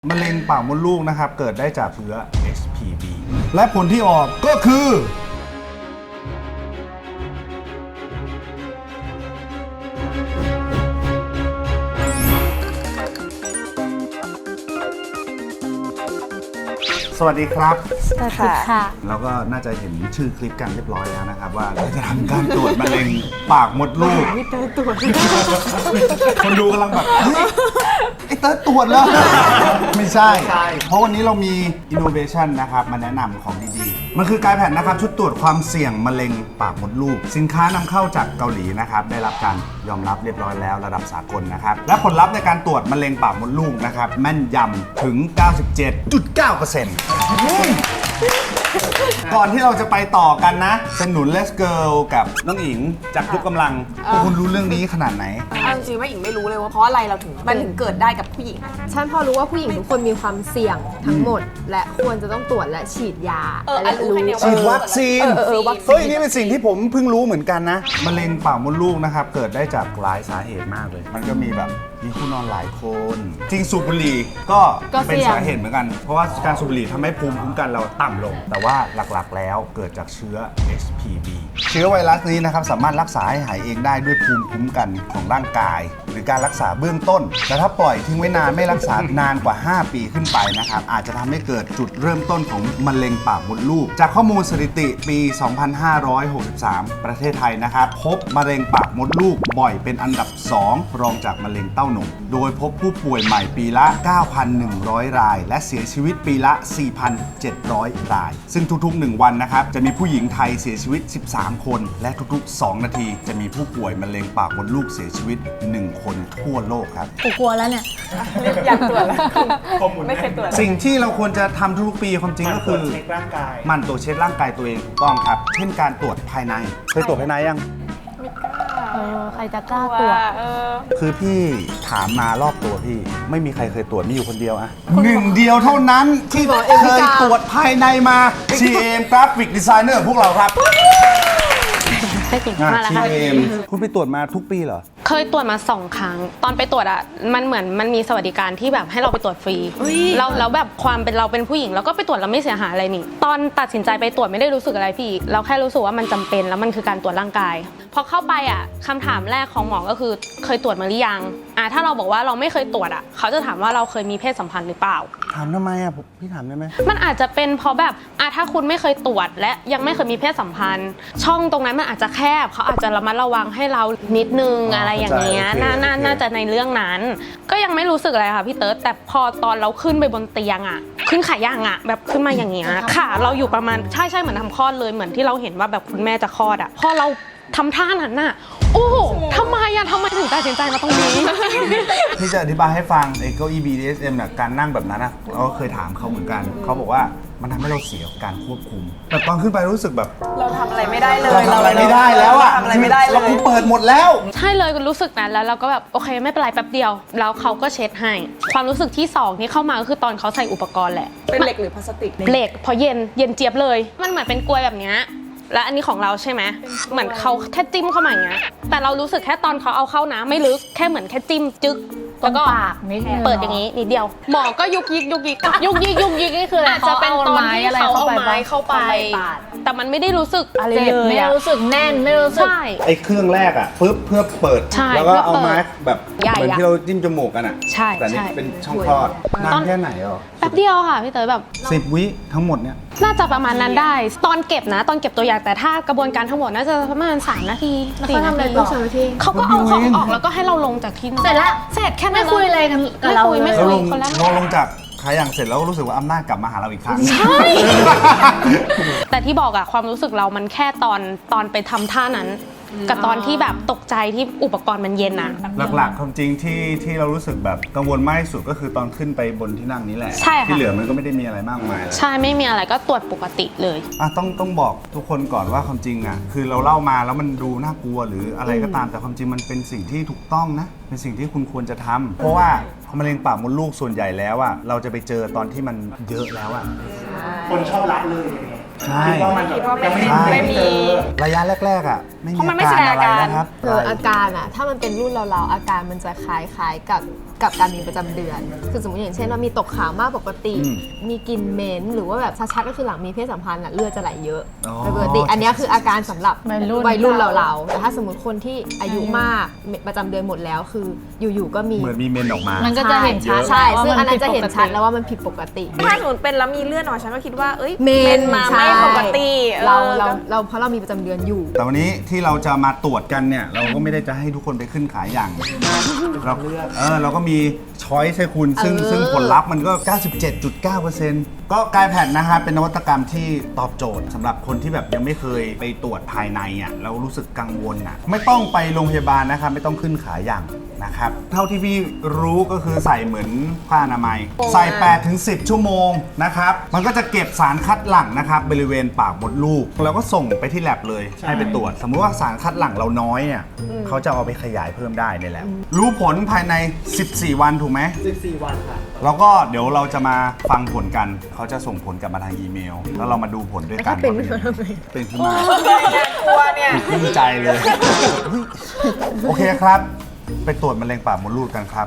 มะเร็งปากมดลูกนะครับเกิดได้จากเชื้อ HPV และผลที่ออกก็คือสวัสดีครับสวัสดีค่ะแล้วก็น่าจะเห็นชื่อคลิปกันเรียบร้อยแล้วนะครับว่าเราจะทำการตรวจมะเร็งปากมดลูกนี่เตยตรวจคนดูกำลังแบบเฮ้ยไอ้เติร์ดตรวจแล้ว ไม่ใช่ เพราะวันนี้เรามี innovation นะครับมาแนะนำของดีๆมันคือกายแผ่นนะครับชุดตรวจความเสี่ยงมะเร็งปากมดลูกสินค้านำเข้าจากเกาหลีนะครับได้รับการยอมรับเรียบร้อยแล้วระดับสากลนะครับและผลลัพธ์ในการตรวจมะเร็งปากมดลูกนะครับแม่นยำถึง 97.9% ก่อนที่เราจะไปต่อกันนะสนุน Let's Girl กับน้องอิงจากทุกกำลังพวกคุณรู้เรื่องนี้ขนาดไหนเอาจริงๆว่าอิงไม่รู้เลยว่าเพราะอะไรเราถึงมันถึงเกิดได้กับผู้หญิงฉันพอรู้ว่าผู้หญิงทุกคนมีความเสี่ยงทั้งหมด และควรจะต้องตรวจและฉีดยาอันรู้แค่เนี้ยฉีดวัคซีนวัคซีนเฮ้ยนี่เป็นสิ่งที่ผมเพิ่งรู้เหมือนกันนะมะเร็งปากมดลูกนะครับเกิดได้จากหลายสาเหตุมากเลยมันก็มีแบบมีคู่นอนหลายคนจริงสูบบุหรี่ก็เป็นสาเหตุเหมือนกันเพราะว่าการสูบบุหรี่ทำให้ภูมิคุ้มกันเราต่ำลงแต่ว่าหลักๆแล้วเกิดจากเชื้อ HPV เชื้อไวรัสนี้นะครับสามารถรักษาให้หายเองได้ด้วยภูมิคุ้มกันของร่างกายหรือการรักษาเบื้องต้นแต่ถ้าปล่อยทิ้งไว้นานไม่รักษานานกว่า 5 ปีขึ้นไปนะครับอาจจะทำให้เกิดจุดเริ่มต้นของมะเร็งปากมดลูกจากข้อมูลสถิติปี 2563 ประเทศไทยนะครับพบมะเร็งปากมดลูกบ่อยเป็นอันดับ 2 รองจากมะเร็งเต้านมโดยพบผู้ป่วยใหม่ปีละ 9,100 รายและเสียชีวิตปีละ 4,700 รายซึ่งทุกๆ 1 วันนะครับจะมีผู้หญิงไทยเสียชีวิต 13 คนและทุกๆ 2 นาทีจะมีผู้ป่วยมะเร็งปากมดลูกเสียชีวิต 1 คนทั่วโลกครับกูกลัวแล้วเนี่ยอยากตรวจแล้วไม่เคยตรวจสิ่งที่เราควรจะทำทุกๆปีความจริงก็คือหมั่นตรวจเช็คร่างกายตัวเองถูกต้องครับเช่นการตรวจภายในเคยตรวจภายในยังใครจะกล้าตรวจคือพี่ถามมารอบตัวพี่ไม่มีใครเคยตรวจมีอยู่คนเดียวอะหนึ่งเดียวเท่านั้นที่เคยตรวจภายในมา GM Graphic Designer พวกเราครับได้เก่งมากแล้วค่ะ GM คุณไปตรวจมาทุกปีเหรอเคยตรวจมา2 ครั้ง ตอนไปตรวจอ่ะมันเหมือนมันมีสวัสดิการที่แบบให้เราไปตรวจฟรีแล้วแบบความเป็นเราเป็นผู้หญิงเราก็ไปตรวจแล้วไม่เสียหายอะไรนี่ตอนตัดสินใจไปตรวจไม่ได้รู้สึกอะไรพี่เราแค่รู้สึกว่ามันจำเป็นแล้วมันคือการตรวจร่างกายพอเข้าไปอ่ะคำถามแรกของหมอก็คือเคยตรวจมาหรือยังถ้าเราบอกว่าเราไม่เคยตรวจอ่ะเขาจะถามว่าเราเคยมีเพศสัมพันธ์หรือเปล่าถามทำไมอะพี่ถามได้ไหมมันอาจจะเป็นเพราะแบบถ้าคุณไม่เคยตรวจและยังไม่เคยมีเพศสัมพันธ์ ช่องตรงนั้นมันอาจจะแคบเขาอาจจะระมัดระวังให้เรานิดนึงอะไรอย่างเงี้ยน่าจะในเรื่องนั้น ก็ยังไม่รู้สึกอะไรค่ะพี่เติร์ดแต่พอตอนเราขึ้นไปบนเตียงขึ้นขาย่างแบบขึ้นมาอย่างเงี้ยขาเราอยู่ประมาณใช่เหมือนทำคลอดเลยเหมือนที่เราเห็นว่าแบบคุณแม่จะคลอดพอเราทำท่านั้นโอ้โหทำไมถึงตัดสินใจมาตรงนี้พี่จะอธิบายให้ฟังไอ้เก้าอี้ BDSM เนี่ยการนั่งแบบนั้นเราก็เคยถามเขาเหมือนกันเขาบอกว่ามันทำให้เราเสียการควบคุมแต่ตอนขึ้นไปรู้สึกแบบเราทำอะไรไม่ได้เลยเราทำอะไรไม่ได้แล้วอะทำอะไรไม่ได้เลยเราเปิดหมดแล้วใช่เลยรู้สึกนั้นแล้วเราก็แบบโอเคไม่เป็นไรแป๊บเดียวแล้วเขาก็เช็ดให้ความรู้สึกที่2ที่เข้ามาก็คือตอนเขาใส่อุปกรณ์แหละเป็นเหล็กหรือพลาสติกเหล็กพอเย็นเจี๊ยบเลยมันเหมือนเป็นกลวยแบบเนี้ยและอันนี้ของเราใช่ไหมเหมือนเขาแค่จิ้มเข้ามาอย่างเงี้ยแต่เรารู้สึกแค่ตอนเขาเอาเข้านะไม่ลึกแค่เหมือนแค่จิ้มจึ๊กแล้วก็เปิดอย่างนี้นิดเดียวหมอก็ยุกยิกนี่คืออะไรอาจจะเป็นตอนที่เขาเอาไม้เข้าไปแต่มันไม่ได้รู้สึกอะไรเลยไม่ได้รู้สึกแน่นไม่รู้สึกไอ้เครื่องแรกปึ๊บเพื่อเปิดแล้วก็เอามาแบบใหญ่เหมือนที่เราจิ้มจมูกกันใช่แต่นี่เป็นช่องคลอดนานแค่ไหนอ่ะแป๊บเดียวค่ะพี่เต๋อแบบ 10 วิทั้งหมดเนี่ยน่าจะประมาณนั้นได้ตอนเก็บตัวอย่างแต่ถ้ากระบวนการทั้งหมดน่าจะประมาณ3 นาที 4 นาทีเขาก็เอาของออกแล้วก็ให้เราลงจากที่นอนเสร็จแล้วเสร็จแค่นั้นไม่คุยอะไรกันกับเราไม่คุยคนละพอลงจากขาอย่างเสร็จแล้วก็รู้สึกว่าอำนาจกลับมาหาเราอีกครั้งใช่ แต่ที่บอกความรู้สึกเรามันแค่ตอนไปทำท่านั้นกับตอนที่แบบตกใจที่อุปกรณ์มันเย็นหลักๆความจริงที่เรารู้สึกแบบกังวลมากที่สุดก็คือตอนขึ้นไปบนที่นั่งนี้แหละใช่ค่ะที่เหลือมันก็ไม่ได้มีอะไรมากมายใช่ไม่มีอะไรก็ตรวจปกติเลยต้องบอกทุกคนก่อนว่าความจริงคือเราเล่ามาแล้วมันดูน่ากลัวหรืออะไรก็ตามแต่ความจริงมันเป็นสิ่งที่ถูกต้องนะเป็นสิ่งที่คุณควรจะทำเพราะว่ามะเร็งปากมดลูกส่วนใหญ่แล้วเราจะไปเจอตอนที่มันเยอะแล้วคนชอบละเลยใช่คิดว่ามันยังไม่มีระยะแรกๆไม่มีอาการอะไรนะครับคืออาการถ้ามันเป็นรุ่นเราอาการมันจะคล้ายๆกับกับการมีประจำเดือน คือสมมติอย่างเช่นว่ามีตกขาวมากปกติ มีกลิ่นเหม็นหรือว่าแบบชัดๆก็คือหลังมีเพศสัมพันธ์เลือดจะไหลเยอะโดยปกติอันนี้คืออาการสำหรับวัยรุ่นเราๆแต่ถ้าสมมติคนที่อายุมากประจำเดือนหมดแล้วคืออยู่ๆก็มีเหมือนมีเมนออกมามันก็จะเห็นชัดใช่ซึ่งอันนั้นจะเห็นชัดแล้วว่ามันผิดปกติถ้าหนูเป็นแล้วมีเลือดออกฉันก็คิดว่าเอ้ยเมนมาใช่ไม่ปกติเราเพราะเรามีประจำเดือนอยู่แต่วันนี้ที่เราจะมาตรวจกันเนี่ยเราก็ไม่ได้จะให้ทุกคนไปขึ้นขายอย่างเราก็มีช้อยส์ให้คุณซึ่งผลลัพธ์มันก็ 97.9% ก็กายแพดนะฮะเป็นนวัตกรรมที่ตอบโจทย์สำหรับคนที่แบบยังไม่เคยไปตรวจภายในอ่ะแล้วรู้สึกกังวลอ่ะไม่ต้องไปโรงพยาบาลนะครับไม่ต้องขึ้นขายอย่างนะครับเท่าที่พี่รู้ก็คือใส่เหมือนผ้าอนามัยใส่ 8-10 ชั่วโมงนะครับมันก็จะเก็บสารคัดหลั่งนะครับบริเวณปากมดลูกแล้วก็ส่งไปที่แลบเลยให้ไปตรวจสมมุติว่าสารคัดหลั่งเราน้อยเนี่ยเขาจะเอาไปขยายเพิ่มได้ในแลบรู้ผลภายใน 14 วันถูกไหม 14 วันค่ะแล้วก็เดี๋ยวเราจะมาฟังผลกัน เขาจะส่งผลกลับมาทางอีเมล แล้วเรามาดูผลด้วยกันเป็นขึ้นมาทำไมเป็นขึ้นมากลัวเนี่ยขึ้นใจเลย โอเคครับ ไปตรวจมะเร็งปากมดลูกกันครับ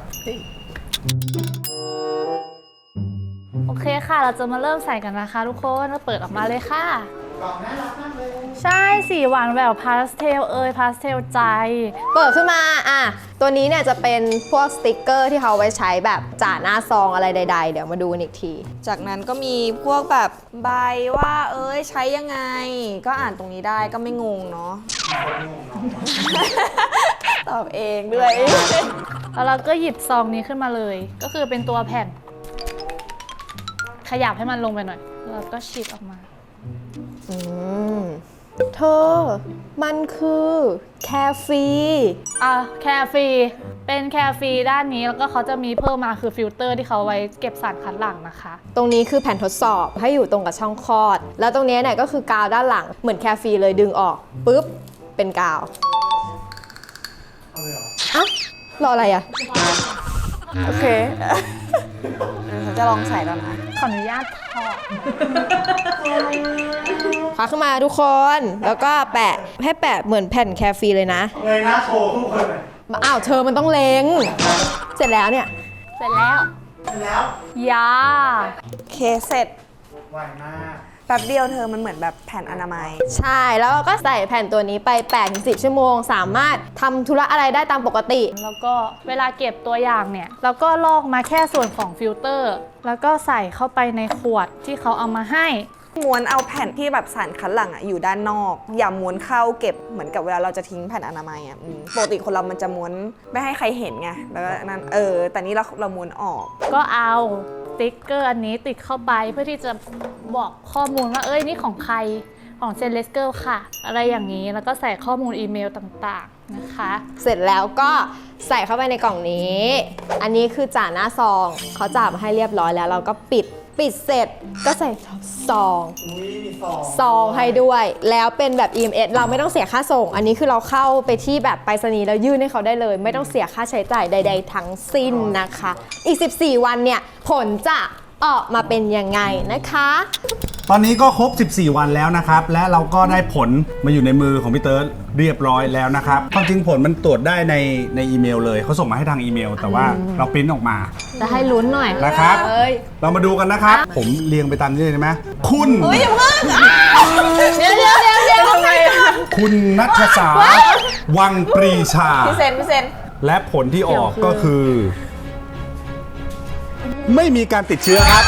โอเคค่ะ เราจะมาเริ่มใส่กันนะคะทุกคนเราเปิดออกมาเลยค่ะกล่องน่ารักมากเลยใช่สีหวานแหววพาสเทลพาสเทลใจเปิดขึ้นมาตัวนี้เนี่ยจะเป็นพวกสติกเกอร์ที่เขาเอาไว้ใช้แบบจ่าหน้าซองอะไรใดๆเดี๋ยวมาดูกันอีกทีจากนั้นก็มีพวกแบบใบว่าใช้ยังไง ก็อ่านตรงนี้ได้ก็ไม่งงเนาะ ตอบเองด้วยแล้วเราก็หยิบซองนี้ขึ้นมาเลย ก็คือเป็นตัวแผ่น ขยับให้มันลงไปหน่อย แล้วก็ฉีกออกมาเธอ มันคือแคฟรีแคฟรีเป็นแคฟรีด้านนี้แล้วก็เขาจะมีเพิ่มมาคือฟิลเตอร์ที่เขาไว้เก็บสารคัดหลั่งนะคะตรงนี้คือแผ่นทดสอบให้อยู่ตรงกับช่องคลอด แล้วตรงนี้เนี่ยก็คือกาวด้านหลังเหมือนแคฟรีเลยดึงออกปุ๊บเป็นกาวเอาเลยเหรอรออะไรอ่ะโอเคฉันจะลองใส่แล้วนะขออนุญาตถอดคว้าขึ้นมาทุกคน แล้วก็แปะให้แปะเหมือนแผ่นแคฟรีเลยนะเลยหน้าโชว์ทุกคนเลยอ้าวเธอมันต้องเล็ง เสร็จแล้วเนี่ยเสร็จแล้วแล้วยาโอเคเสร็จไวมากแป๊บเดียวเธอมันเหมือนแบบแผ่นอนามัยใช่ แล้วเราก็ใส่แผ่นตัวนี้ไป 8-10 ชั่วโมง สามารถทำธุระอะไรได้ตามปกติแล้วก็เวลาเก็บตัวอย่างเนี่ยเราก็ลอกมาแค่ส่วนของฟิลเตอร์ แล้วก็ใส่เข้าไปในขวดที่เขาเอามาให้ม้วนเอาแผ่นที่แบบสารคัดหลั่งอยู่ด้านนอก อย่าม้วนเข้าเก็บเหมือนกับเวลาเราจะทิ้งแผ่นอนามัยปกติคนเรามันจะม้วนไม่ให้ใครเห็นไงแล้วก็นั่นแต่นี่เราม้วนออกก็เอาสติ๊กเกอร์อันนี้ติดเข้าไปเพื่อที่จะบอกข้อมูลว่านี่ของใครของเซเลสเกิลค่ะ อะไรอย่างนี้แล้วก็ใส่ข้อมูลอีเมลต่างๆนะคะเสร็จแล้วก็ใส่เข้าไปในกล่องนี้ อันนี้คือจ่าหน้าซอง เขาจ่ามาให้เรียบร้อยแล้ว เราก็ปิดเสร็จก็ใส่ซองอุ้ยมีซองซองให้ด้วย แล้วเป็นแบบ EMS เราไม่ต้องเสียค่าส่ง อันนี้คือเราเข้าไปที่แบบไปรษณีย์แล้วยื่นให้เขาได้เลย ไม่ต้องเสียค่าใช้จ่ายใด ๆ ทั้งสิ้นนะคะ อีก 14 วันเนี่ยผลจะออกมาเป็นยังไงนะคะตอนนี้ก็ครบ 14 วันแล้วนะครับ และเราก็ได้ผลมาอยู่ในมือของพี่เติร์ดเรียบร้อยแล้วนะครับ ความจริงผลมันตรวจได้ในอีเมลเลย เขาส่งมาให้ทางอีเมล แต่ว่าเราปริ้นออกมาจะให้ลุ้นหน่อยนะครับเอ้ยเรามาดูกันนะครับ ผมเรียงไปตามนี้เลยได้ไหมคุณเดี๋ยวคุณนัทสาวังปรีชาพี่เซนและผลที่ออกก็คือ ไม่มีการติดเชื้อครับ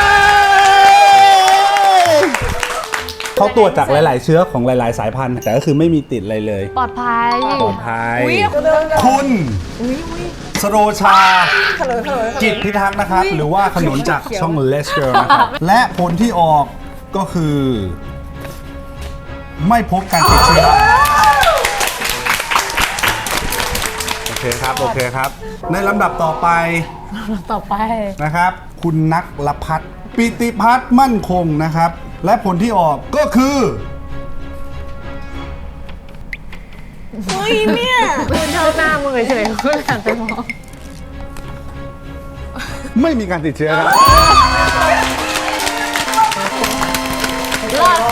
เขาตรวจจากหลาย ๆ เชื้อของหลาย ๆ สายพันธุ์ แต่ก็คือไม่มีติดอะไรเลยปลอดภัยปลอดภัยคุณสโรชา จิตพิทักษ์นะครับ หรือว่าขนุนจากช่องเลสเกอร์นะครับ และผลที่ออกก็คือ ไม่พบการติดเชื้อ โอเคครับ ในลำดับต่อไป นะครับ คุณนักละพัฒน์ปิติพัฒน์มั่นคงนะครับ และผลที่ออกก็คือเฮ้ยเนี่ยคุณเท่าหน้ามือเฉยๆคุณหันไปมองไม่มีการติดเชื้อครับรอดค่ะ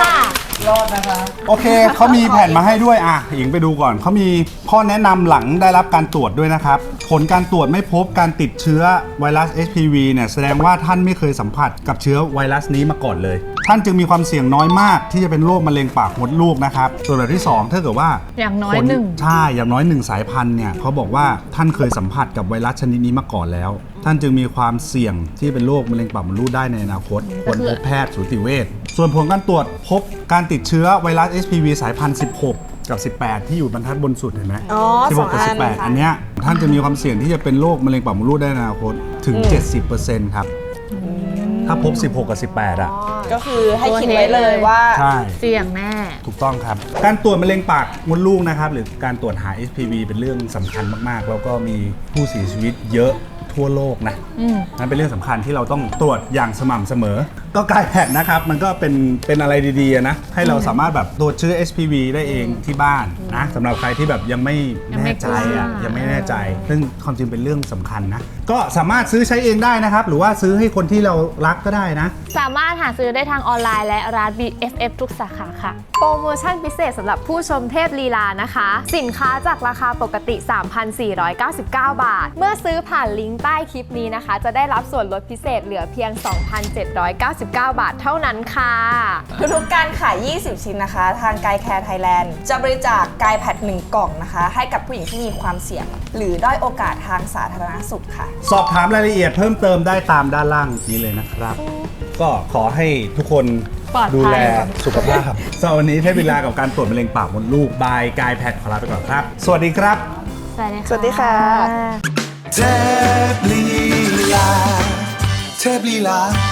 รอดนะคะโอเค เขามีแผ่นมาให้ด้วยอ่ะหญิงไปดูก่อนเขามีข้อแนะนำหลังได้รับการตรวจด้วยนะครับผลการตรวจไม่พบการติดเชื้อไวรัส HPV เนี่ยแสดงว่าท่านไม่เคยสัมผัสกับเชื้อไวรัสนี้มาก่อนเลยท่านจึงมีความเสี่ยงน้อยมากที่จะเป็นโรคมะเร็งปากมดลูกนะครับส่วนแบบที่2ถ้าเกิดว่าอย่างน้อยผลหนึ่งใช่อย่างน้อย1สายพันธุ์เนี่ยเขาบอกว่าท่านเคยสัมผัสกับไวรัสชนิดนี้มาก่อนแล้วท่านจึงมีความเสี่ยงที่เป็นโรคมะเร็งปากมดลูกได้ในอนาคตควรพบแพทย์สูติเวชส่วนผลการตรวจพบการติดเชื้อไวรัส HPV สายพันธุ์ 16 กับ 18 ที่อยู่บรรทัดบนสุดเห็นไหมอ๋อ 16 กับสองอัน 18 อันเนี้ยท่านจะมีความเสี่ยงที่จะเป็นโรคมะเร็งปากมดลูกได้ในอนาคตถึง 70% ครับถ้าพบ 16 กับ 18 อ่ะก็คือให้คิดไว้เลยว่าใช่เสี่ยงแน่ถูกต้องครับ การตรวจมะเร็งปากมดลูกนะครับหรือการตรวจหา HPV เป็นเรื่องสำคัญมากๆ แล้วก็มีผู้เสียชีวิตเยอะทั่วโลกนะนั่นเป็นเรื่องสำคัญที่เราต้องตรวจอย่างสม่ำเสมอ ก็กลายแพทย์นะครับ มันก็เป็นอะไรดีๆนะ ให้เราสามารถแบบตรวจเชื้อ HPV ได้เองที่บ้านนะสำหรับใครที่แบบยังไม่แน่ใจอ่ะยังไม่แน่ใจ ซึ่งความจริงเป็นเรื่องสำคัญนะ ก็สามารถซื้อใช้เองได้นะครับ หรือว่าซื้อให้คนที่เรารักก็ได้นะสามารถหาซื้อได้ทางออนไลน์และร้าน BFF ทุกสาขาค่ะโปรโมชั่นพิเศษสำหรับผู้ชมเทพลีลานะคะ สินค้าจากราคาปกติ 3,499 บาท เมื่อซื้อผ่านลิงก์ใต้คลิปนี้นะคะ จะได้รับส่วนลดพิเศษเหลือเพียง 2,799 บาทเท่านั้นค่ะทุกๆการขาย 20 ชิ้นนะคะ ทางกายแคร์ไทยแลนด์จะบริจาคกายแพด1 กล่องนะคะ ให้กับผู้หญิงที่มีความเสี่ยง หรือด้อยโอกาสทางสาธารณสุขค่ะสอบถามรายละเอียดเพิ่มเติมได้ตามด้านล่างนี้เลยนะครับ ก็ขอให้ทุกคนปลอดภัยดูแลสุขภาพสำหรับวันนี้เทพเวลากับการตรวจมะเร็งปากมดลูกบายกายแพทย์ขอลาไปก่อนครับ สวัสดีครับสวัสดีค่ะเทพลีลาเทพลีลา